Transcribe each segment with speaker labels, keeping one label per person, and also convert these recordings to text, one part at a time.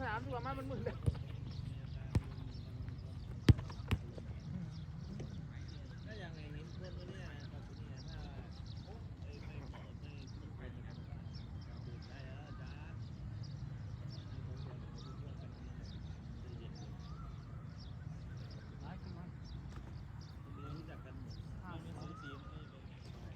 Speaker 1: สนามดีกว่ามันมึนเลย
Speaker 2: ถ้าอย่างไรเห็นเพื่อนตัวนี้กับตัวนี้ถ้าไม่เหมาะไม่ควรจะทำการดูได้แล้วจ้ารู้จักกันหมดไม่ซื้อทีมไม่เป็น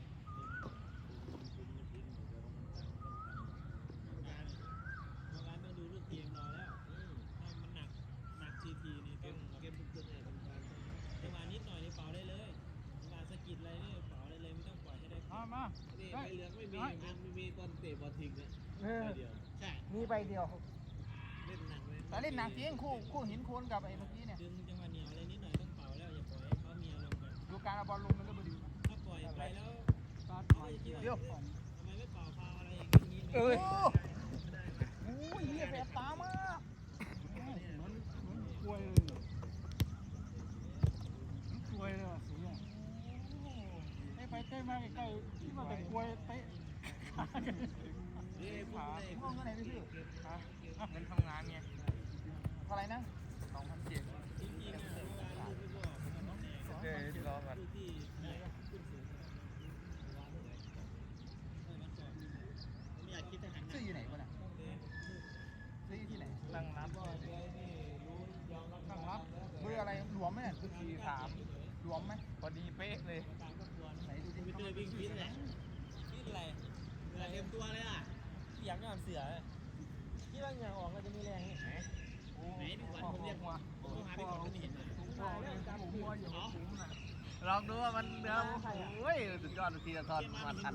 Speaker 2: การต้องดูลูกทีมรอแล้วถ้ามันหนักทีนี่เกมบุกตัวไหนทำการจังหวะนิดหน่อยนี่เป่าได้เลยจังหวะสกิดอะไรนี่เป่าได้เลยไม่ต้องปล่อยให้ได้
Speaker 1: มา
Speaker 2: นี่ใบเหลืองไม่มีตอนเตะบอลทิ้งนะใบเดียวใช่
Speaker 1: มีใบเดียว
Speaker 2: เล่นหนักเลย
Speaker 1: แต่เล่นหนักจริงคู่หินโคนกับไอ้เมื่อกี้เนี่ย
Speaker 2: ดึงจังหวะเหนียวอะไรนิดหน่อยต้องเป่าแล้วอย่าปล่อยให้เขามีอารมณ์กัน
Speaker 1: ดูการเอาบอลลงมันก็บดี
Speaker 2: ถ้าปล่อยไปแล้ว
Speaker 1: เดี๋ยว
Speaker 2: ทำไมไม่เป่าฟาวอะไรอย่างนี้
Speaker 1: โอ้ยเหี้ยแสบตามากเหมือนกล้วยเลยกล้วยเลยสีอ่ะเตะไปเตะมาใกล้ๆที่มันเป็นกล้วยเตะขาห้องเงินไหนพี่เงินทำงานไงเท่าไหร่นะ2,700
Speaker 2: จริงๆนะ
Speaker 1: ที่ล้อกันซื้ออยู่ไหนวะเนี่ยซื้อที่ไหนตั้งรับเบอร์อะไรหลวมไหมเนี่ย43หลวมไหมพอดีเป๊ะเลยไหนดูดิ
Speaker 2: ไปเจอวิ่งพิษเลยพิษอะไรเต็มตัวเลยอ่ะอยากนอนเสือที่ร่างอย่างออกก็จะมีแรงนี่ไหนพี่ขวัญผมเรียกว่าผมหาพี่ขวัญไม่เห็นเลย
Speaker 1: ลองดูว่ามันเนื้อโอ้ยสุดยอดทีละทอนมันทัน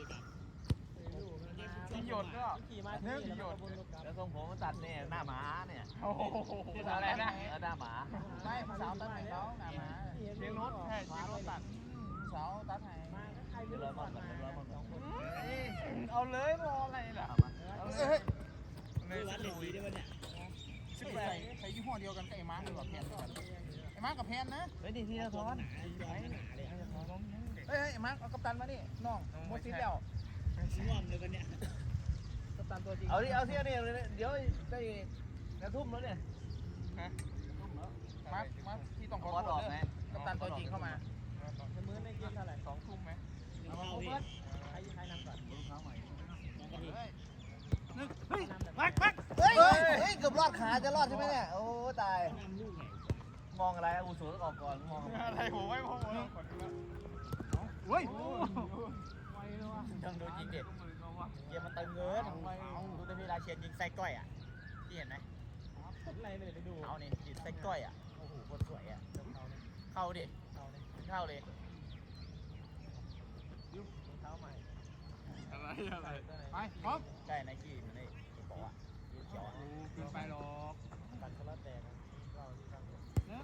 Speaker 1: ที่หยดก็เนื้อที่หยด
Speaker 3: แล้วทรงผมมันตัดเนี่ยหน้าหมาเนี่ย
Speaker 1: โอ้โหอะไรนะ
Speaker 3: หน้าหมา
Speaker 1: ไม่สาวตัดให้เขาหน้าหมาเชียงรถใช่เชียงรถตัดสาวตัดให้เอาเลยรออะไรล่ะ
Speaker 2: เลยวัดเหล็กดีได้ป่ะเนี่ย
Speaker 1: ใส่ยี่ห้อเดียวกันกับไอ้มาร์กหรือว่าแพนไอ้มาร์กกับแพนนะ
Speaker 3: เฮ้ยดีทีละทอน
Speaker 1: เฮ้ยไอ้มาร์กเอากัปตันมานี่น้องโมซิแล้ว
Speaker 2: ร่วมเลยป่ะเนี่ย
Speaker 1: กัปตันตัวจริง
Speaker 3: เอาดิเนี่ยเดี๋ยวได้กระทุ่มแล้วเนี่ย
Speaker 1: มาร์กที่ต้องขอโทษเลยกัปตันตัวจริงเข้ามา
Speaker 2: มื้อในเกมเท่าไหร่
Speaker 1: 2 ทุ่มไหม
Speaker 2: เอาพี่ให้นำก่อน
Speaker 1: เฮ้ย
Speaker 3: เกือบรอดขาจะรอดใช่ไหมเนี่ยโอ้ตายมองอะไรอุสูต้องออกก่อนมอง
Speaker 1: อะไรผมไม่มองเฮ้ย
Speaker 2: ต้องดูยิงเด็ดเกมมันเติมเงินดูแต่เวลาเชียร์ยิงไส้ก้อยอ่ะที่เห็นไหมอะไรไม่ได้ดูเอาเนี่ยยิงไส้ก้อยอ่ะโอ้โหโคตรสวยอ่ะเข้าดิเข้าเลยเท้าใหม่
Speaker 1: อะไรไปพร้อม
Speaker 2: ใช่ไนกี้มันไอ้บอกอ่ะเขียวอ่ะ
Speaker 1: เกินไปหรอก
Speaker 2: ตัดคาราแตกเราที่ทำ
Speaker 1: เนี่ย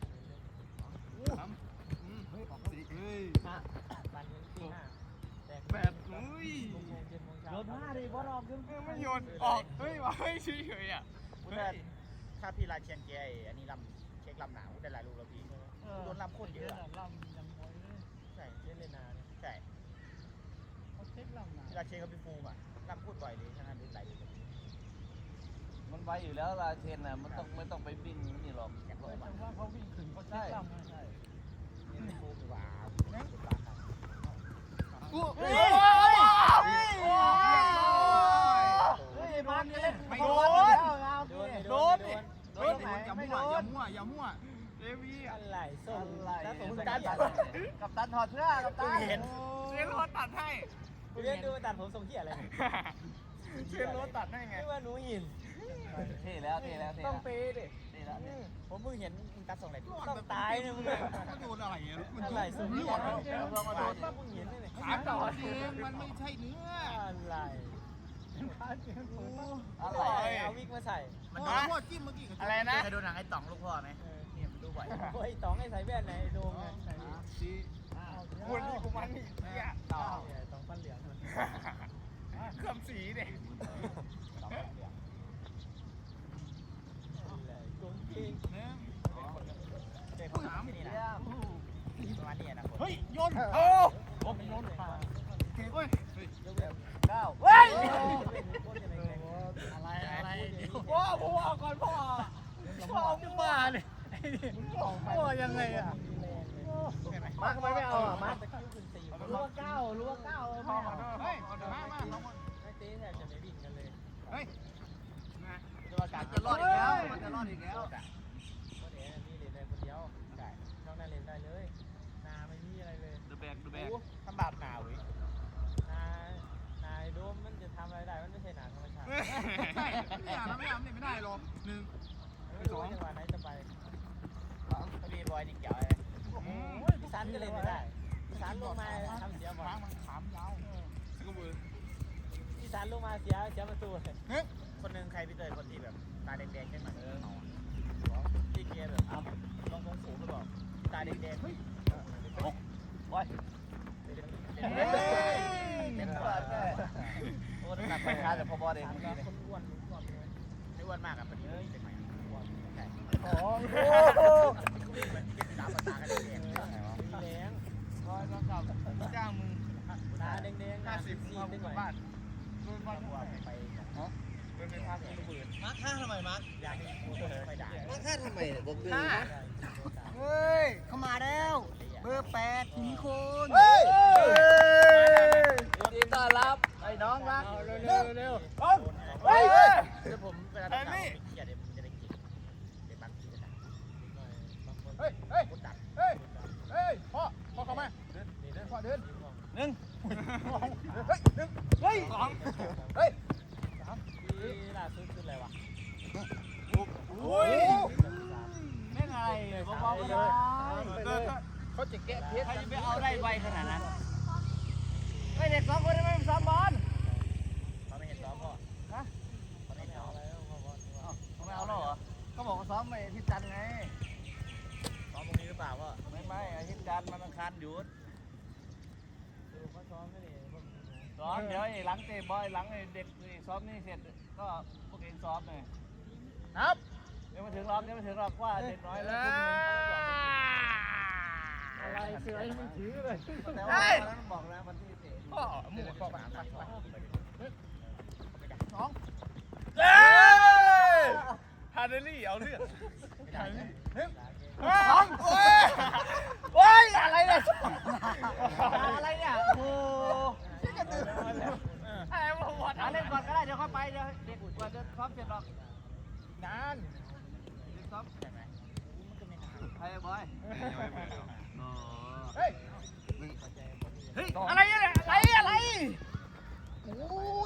Speaker 1: เฮ้ยออกสิเฮ้ย
Speaker 2: ปันที่5
Speaker 1: แปดเฮ้ย
Speaker 2: โยนผ้าดิบอลออก
Speaker 1: ไม่โยนออกเฮ้ยว่าเฮ้ยเฉยๆอ่ะ
Speaker 2: ถ้าพี่ราเชียนเกียร์อันนี้ลำเช็คลำหนาวได้หลายลูกแล้วพี่โดนลำโคตรเยอะ
Speaker 1: ลำยังน้อยเลย
Speaker 2: ใช่เล่นนาใช่
Speaker 1: เขาเช็คลำหนาว
Speaker 2: ราเชียนเขาเป็นฟูมอ่ะลำโคตรบ่อยเลยฉะนั้นหลายลูก
Speaker 3: มันไวอยู่แล้วลาเชนน่ะมันต้องไม่ต้องไปวิ่งนี่หรอก
Speaker 1: แต่ว่าเขาวิ่งถึงเขาเช็คลำใช่
Speaker 2: นี่ฟูมหวาน
Speaker 1: มาเล่นไม่โดนอย่ามั่วเดวี่
Speaker 2: อะไรส้มแล้วผม
Speaker 1: กับตันถอดเสื้อกับตัน
Speaker 2: เห็น
Speaker 1: เชนรถตัดให้
Speaker 2: เรียนดูตัดผมทรงเหี้ยอะไร
Speaker 1: เชนรถตัดให้ไง
Speaker 2: ไม่ว่าหนูหิน
Speaker 3: เท่แล้ว
Speaker 2: ต้องเปย์ดิ
Speaker 3: เท่แล้ว
Speaker 2: ผมมึงเห็นมึงตัดส่งไหนต้องตายเนี่ยมึง
Speaker 1: มันโดนอะไรอ่ะ
Speaker 2: มันอะไรส่งเหี้ยมึงเห็นเลย
Speaker 1: ขาต่อเองมันไม่ใช่เนื้อ
Speaker 2: อะไรเอาวิกมาใส่
Speaker 1: มันโดนพ่อจิ้มเมื่อกี้
Speaker 3: อะไรนะ
Speaker 2: เคยดูหนังไอ้ต๋องลูกพ่อไหมเนี่ยมันดูบ่อยไอ้ต๋องไอ้ใส่แว่นไหนโดมไง
Speaker 1: คุณนี่กูมันนี่
Speaker 2: ต๋องฟันเหลือง
Speaker 1: เครื่องสีเด็ก
Speaker 2: โกงจริง
Speaker 1: เนี่ย
Speaker 2: เด็กถามนี่นะประมาณนี้นะ
Speaker 1: เฮ้ยโยน
Speaker 2: โยนผ่าน
Speaker 1: เฮ้ย
Speaker 3: 9เฮ้ย
Speaker 2: อะไรเดี๋ยว
Speaker 1: พ่อเอาก่อนพ่อมึงมาเนี่ยพ่อยังไงอ่ะ
Speaker 3: มาทำไมไม่เอาอ่ะมา
Speaker 1: รู้ว่า9พ่อเฮ้ยมาลงมา
Speaker 2: ไม่ตีแทบจะไม่วิ่งกันเลย
Speaker 1: เฮ้ย
Speaker 2: จะว่าการ
Speaker 3: จะรอดอีกแล้วมันจะรอดอีกแล้ว
Speaker 2: ก็เดี๋ยวนี่เล่นได้คนเดียวได้นอกนั้นเล่นได้เลยนาไม่มีอะไรเลย
Speaker 3: ดูแบก
Speaker 2: ทำบาปหนาวอีกนายโดมมันจะทำอะไรได้มันไม่ใช่หนาธรรมชาติ
Speaker 1: ไม่เอาไม่ได้หรอก1
Speaker 2: ไม่รู้จังหวะไหนจะไปก็มีบอยดิเกี่ยวอะไรพี่สันก็เล่นไม่ได้พี่สันลงมาทำเสียบอล
Speaker 1: มันขามยาวสกุลมือ
Speaker 2: พี่สันลงมาเสียประตูคนหนึ่งใครพี่เตยคนที่แบบตาแดงๆใช่ไหมที่เกียร์แบบลงสูงไปบอกตาแดงๆเฮ้ย
Speaker 3: บอยเป็นตัวแค่โอ้หนักไปช้าแต่พอบอลเอง
Speaker 2: คนอ้วนไม่อ้วนมากอ่ะพอดีเลยเป็นไหมอ้วนใช่
Speaker 3: โอ้โห
Speaker 2: มันกินตามตากันแดงๆแรงร้อยเก้าจ้างมึงตาแดงๆ50มึงเอาไปบ้านโดนบ้านไปโดนไปพาที่ระเบิด
Speaker 3: มาร์ค5ทำไมมาร์ค
Speaker 2: อยากให้ไปด่า
Speaker 3: มาร์ค5ทำไมเนี่ยบอกเลย
Speaker 1: เฮ้ยเข้ามาแล้วเบอร์8ถึงคน
Speaker 3: เฮ้ยดีต้อนรับไอ้น้องรัก
Speaker 2: เร็ว
Speaker 3: เฮ้ย
Speaker 2: เดี๋ยวผมเวลาทำข่าวเกียร์เดี๋ยวจะได้กินเดี๋ยวบางทีจะดักบางคน
Speaker 1: เฮ้ย
Speaker 2: กดดัก
Speaker 1: เฮ้ยพ่อเข้ามาพ่อเดิน
Speaker 3: หนึ่ง
Speaker 1: เฮ้ย2เฮ้ย
Speaker 2: ที่ล่าสุดคืออะไรวะ
Speaker 1: โอ้ย
Speaker 3: ไม่ไงเบาๆเลย
Speaker 1: เขาจะแกะเพชร
Speaker 3: ใครจะไปเอาได้ไวขนาดนั้นไอ้เด็ก2คนทำไมไม่ซ้อมบอล
Speaker 2: เขาไม่เห็นซ้อมพ่อฮะเขาไม่เห็นซ้อมแล้วพ่อ
Speaker 3: เขาไม่เอาแล้วเหรอเขาบอกว่าซ้อมไปอาทิตย์จันทร์ไง
Speaker 2: ซ้อมตรงนี้หรือเปล่าพ่อ
Speaker 3: ไม่อาทิตย์จันทร์มันอังคารหยุด
Speaker 2: เขาซ้อมไม่ได้
Speaker 3: ซ้อมเดี๋ยวหลังเตะบอลหลังเด็กซ้อมนี่เสร็จก็พวกเองซ้อมเลย
Speaker 1: นับ
Speaker 3: เดี๋ยวมาถึงรอบว่าเด็กน้อยแล้ว
Speaker 2: อะไรเสือยังไม่ถือเลย
Speaker 3: แต่ว่านั้นบอกแล้ววันที่เตะ
Speaker 1: พ่อหมูพ่อมาไป2ฮาร์เดลี่เอาเรื่อง2โอ้ยอะไรเนี่ย
Speaker 3: อะไรเนี่ยโอ้เล่นก่อนก็ได้เดี๋ยวเข้าไปเดี๋ยวเด็กกว่าจะซ้อมเสร็จหรอก
Speaker 1: นาน
Speaker 3: เด็กซ้อม
Speaker 2: ใช่ไหมมันก็ไม่นาน
Speaker 3: ใครบอย
Speaker 1: เฮ้ย
Speaker 3: เฮ้ย
Speaker 1: อะไรเนี่ยอะไรโอ้ย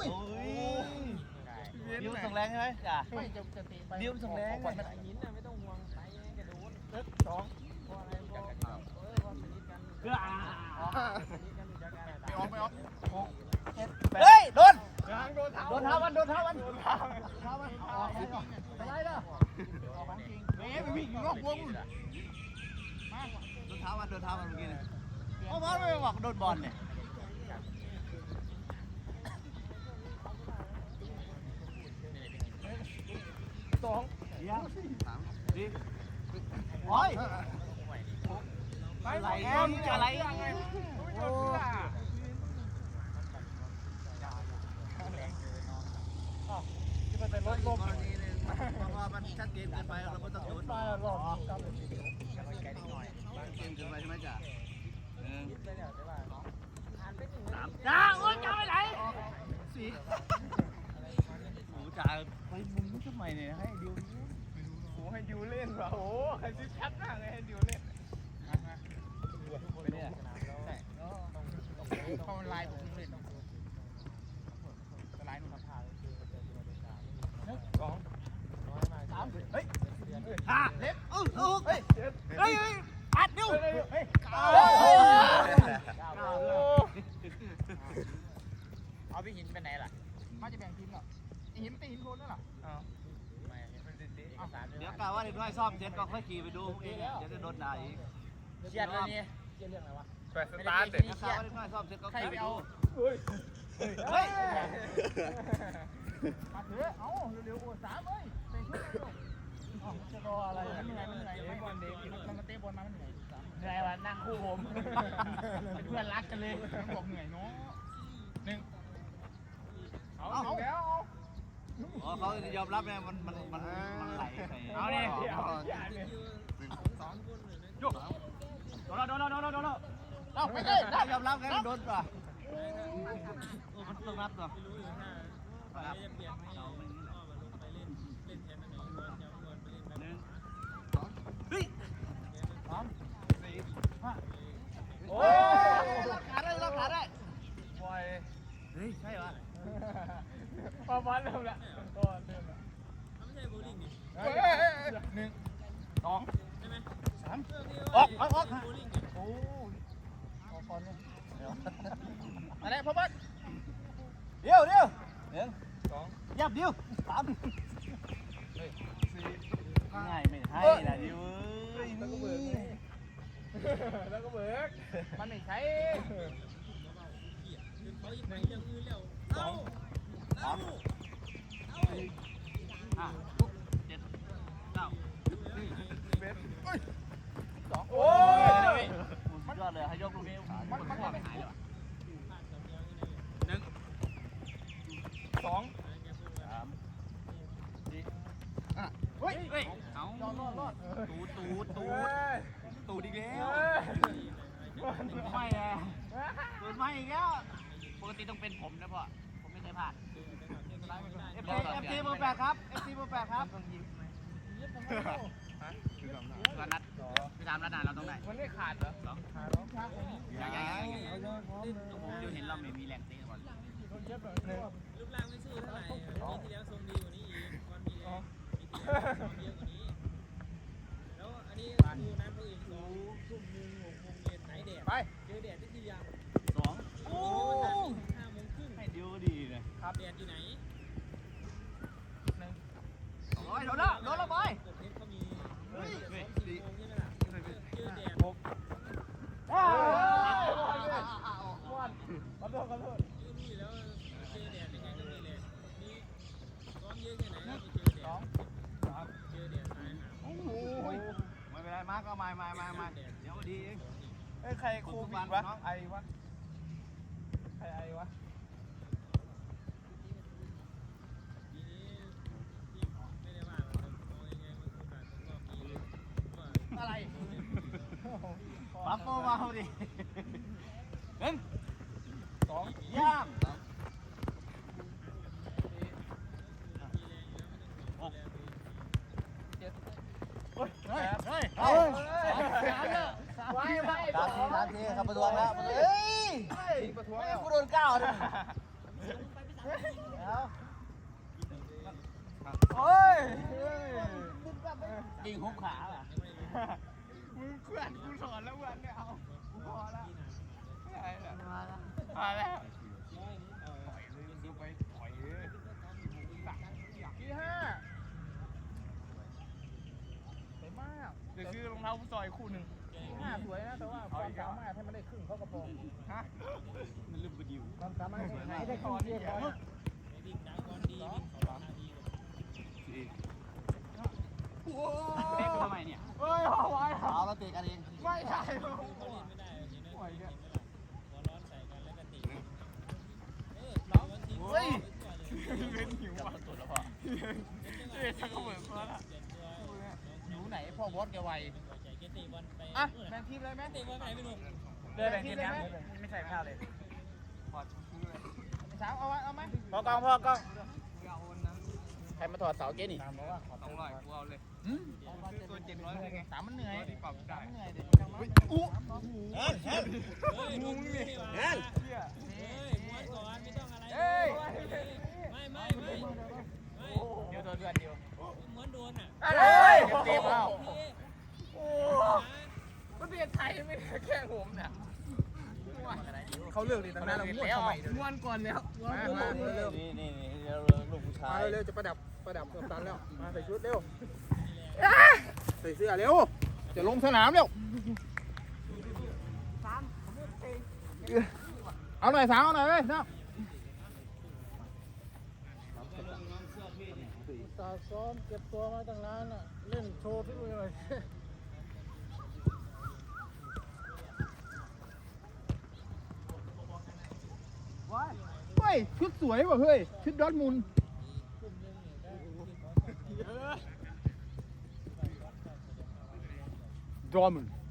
Speaker 3: ดิวส่งแรงใช่ไหมจ้ะ
Speaker 2: ไม่จะตีไป
Speaker 3: ดิวส่งแรง
Speaker 2: ก่อนมันหินน่ะไม่ต้องห่วงไปกระโดด2เพราะอะไรเพราะสนิทกันสนิทกันอยู่จากการ
Speaker 1: ไม่ออก
Speaker 3: เฮ้ยโดน
Speaker 1: โดนเท้า
Speaker 3: โดนเท้ามัน
Speaker 1: อะไรเนาะเฮ้ยวิ่งนอกวง
Speaker 3: โดนเท้ามันเมื่อกี้เนี่ยโอ้บอลไม่บอกโดนบอลเนี่ย ดีโอ้ยอะไรอะไรโอ้ที่มันเป็นรถลมนี้เลยเพราะมันชัดเจนเกินไปเราไม่ต้องโดนมาหรอกเกมเกินไปใช่ไหมจ๊ะจ้าโอ้ยจ้าไปไหนสี่โอ้จ่าไปมุมนี้ทำไมเนี่ยให้ดิว
Speaker 1: โอ้ให้ดิวเล่นว่ะโอ้ให้ซิชัดมากเลยให้ดิวเล่น
Speaker 3: ไปเนี่ย
Speaker 1: เขาไลน์ผมเล่นไลน์นู่นนะเฮ้ยเล็บเฮ้ยปัดนิ้วเฮ้ย
Speaker 2: เอาพี่หินไปไหนล่ะ
Speaker 1: มาจะแบ่งทีมเหรอหินตีหินโคนนั่นหรอ
Speaker 2: ไม่เห็นเป็นเอกสาร
Speaker 3: เดี๋ยวกะว่าเด็กน้อยซ่อมเสร็จก็ค่อยขี่ไปดูเองเดี๋ยวจะโดนด่าอีก
Speaker 2: เครียดเลยนี่เครียดเรื่องอะไรวะ
Speaker 1: แปดสตาร์ทเด็ก
Speaker 3: เดี๋ยวกะว่าเด็กน้อยซ่อมเสร็จก็ขี่ไปดู
Speaker 1: เฮ้ยมาเถอะเอาเร็วๆโอ้3เอ้ยเตะชุดจะรออะไรเหนื่อยบอลเด็กมันมาเตะบอลมามันเหนื่อย
Speaker 2: เหนื่อยว่ะนั่งคู่ผมเป็นเพื่อนรักกันเลย
Speaker 1: บอกเหนื่อยเนาะเอาแล้ว
Speaker 3: อ๋อเขายอมรับไงมันไหลใส่
Speaker 1: เอาเนี่ยโดนเอาไปเลย
Speaker 3: ยอมรับไงมันโดนป่ะมันต้องรับตัวโอ้ยขาได้ปล่อยเฮ้ยใช่ปะ
Speaker 1: พอฟันเริ่มละก็เริ่มละไม่ใช่โบลิ่งนี่1 2 3ออกโอ้ออกก่อนเลยอะไรพ่อบ้าน
Speaker 3: เดี๋ยว1 2ยับเดียว3ง่ายไม่ให้นะดิวแล้วก็เบิก
Speaker 1: มันไม่ใช่
Speaker 3: โอ้ยมันยอดเลยให้ยกลูกนี้มันไม่หายหรอ
Speaker 1: 2 3 4เฮ้ย
Speaker 3: เอารอดตูดอีกแล้วไม่อะตูดไม่อีกแล้วปกติต้องเป็นผมนะพ่อผมไม่เคยพลาดFT เบอร์ 8ครับ FT เบอร์ 8ครับก็นัดพี่ทำนัดนานเราต้องได้
Speaker 1: มันไม่ขาดเหรอขาดแล้ว
Speaker 3: ผมดูเห็นเราไม่มีแรงเตะบอล
Speaker 4: รูปร่างไม่สู้เท่าไหร่ปีที่แล้วทรงดีกว่านี้อีกวันมีแรงปีที่แล้วทรงเยอะกว่านี้แล้วอันนี้ดูนะผู้อื่น2 ทุ่ม 1 6 โมงเย็นไหนแดด
Speaker 1: ไป
Speaker 4: เจอแดดได้ทียัง
Speaker 3: 2โอ้
Speaker 4: 5 โมงครึ่ง
Speaker 3: ให้ดิวดีเลยครับ
Speaker 4: แดดอยู่ไหน
Speaker 3: โอ้ยโดนแล้วบอย
Speaker 4: กดเทปเขามี2-4 โมงใช่ไหมล่ะเจอแดด
Speaker 1: 6ขอโทษ
Speaker 4: รู้อยู่แล้วเจอแดดยังไงก็มีแรงนี่ซ้อมเยอะแค่ไหนก็ไปเจอแดดเจอแดดตายหา
Speaker 3: โอ้โหไม่เป็นไรมาก็มาเดี๋ยวดีเอง
Speaker 1: ใครโควิดวะไอวะใครไอวะ
Speaker 4: ทีนี้ที่ไม่ได้ว่าเรามองยังไงมันโอกาสของรอบนี้ว่า
Speaker 1: อะไร
Speaker 3: ปั๊บโป้มาเอาดิ1 2ย่างเฮ้ยเอา3 ทีครับประท้วงแล้วเฮ้ย
Speaker 1: ประท้วง
Speaker 3: กูโดน9นะโอ้ยยิงหุบขาอ่ะ
Speaker 1: มึงเพื่อนกูสอนแล้วเพื่อนเนี่ยเอากูพอแล้วมาแล้วที่5สวยมากเดี๋ยวซื้อรองเท้าผู้ซอยคู่หนึ่ง5สวยนะแต่ว่าความสามารถให้มันได้ครึ่งเขากระโปรงฮะ
Speaker 3: มันลืมไปดิว
Speaker 1: ความสามารถให้ได้ครึ่งเทียบกัน
Speaker 4: วิ่งจากวันดีวิ่ง2 นาที
Speaker 3: เตะทำไมเนี่ย
Speaker 1: เฮ้ยเอาไว้
Speaker 3: เอาเราเตะกันเอง
Speaker 1: ไม่ใช่
Speaker 4: เขาเล่นไม่ได้เห็นไหมหัวร้อนใส่กันแล้วก็ติน้องเฮ้ย
Speaker 1: เป็นหิวอ่ะ
Speaker 3: ตัวแล้วพ่อ
Speaker 1: ชักกระเบิดมาละ
Speaker 3: หิวไหนพ่อบอสแกไว
Speaker 4: อ่ะ
Speaker 1: แบ่งทีมเลยไหม
Speaker 4: เตะบอลไหนไม่รู้
Speaker 1: แบ่งทีมนะไม่ใส่ข้าวเลยถอดซื้อเลยสาวเอาไหมพอกล้องใครมาถอดเสาเกนี่
Speaker 3: ต้องร้อยกูเอาเลยตัว700เลยไง
Speaker 1: 3มันเหนื่อย
Speaker 3: ปรับได้
Speaker 1: เหนื่อยเด็ก
Speaker 4: ม้วนก่อนไม่ต้องอะไรไม่
Speaker 1: เดี๋ยวโดนเดือนเดียว
Speaker 4: ม้วนโดนอ่ะ
Speaker 1: เต็มแล้วโอ้ประเทศไทยไม่ได้แค่ผมนะเขาเลือกดีตั้งนานเราม้วนทำไมม้วนก่อนแล้วมาเร็ว
Speaker 3: นี่ลูกผู้ชาย
Speaker 1: เร็วจะประดับกับตันแล้วมาใส่ชุดเร็วใส่เสื้อเร็วจะลงสนามเร็วเอาหน่อยสาวเอาหน่อยเลยนะตาซ้อมเก็บตัวมาตั้งนานน่ะเล่นโชว์ที่ดูเลยว้ายว้ยชุดสวยว่ะเฮ้ยชุดดอร์ทมุนด์ดอร์ทมุนด์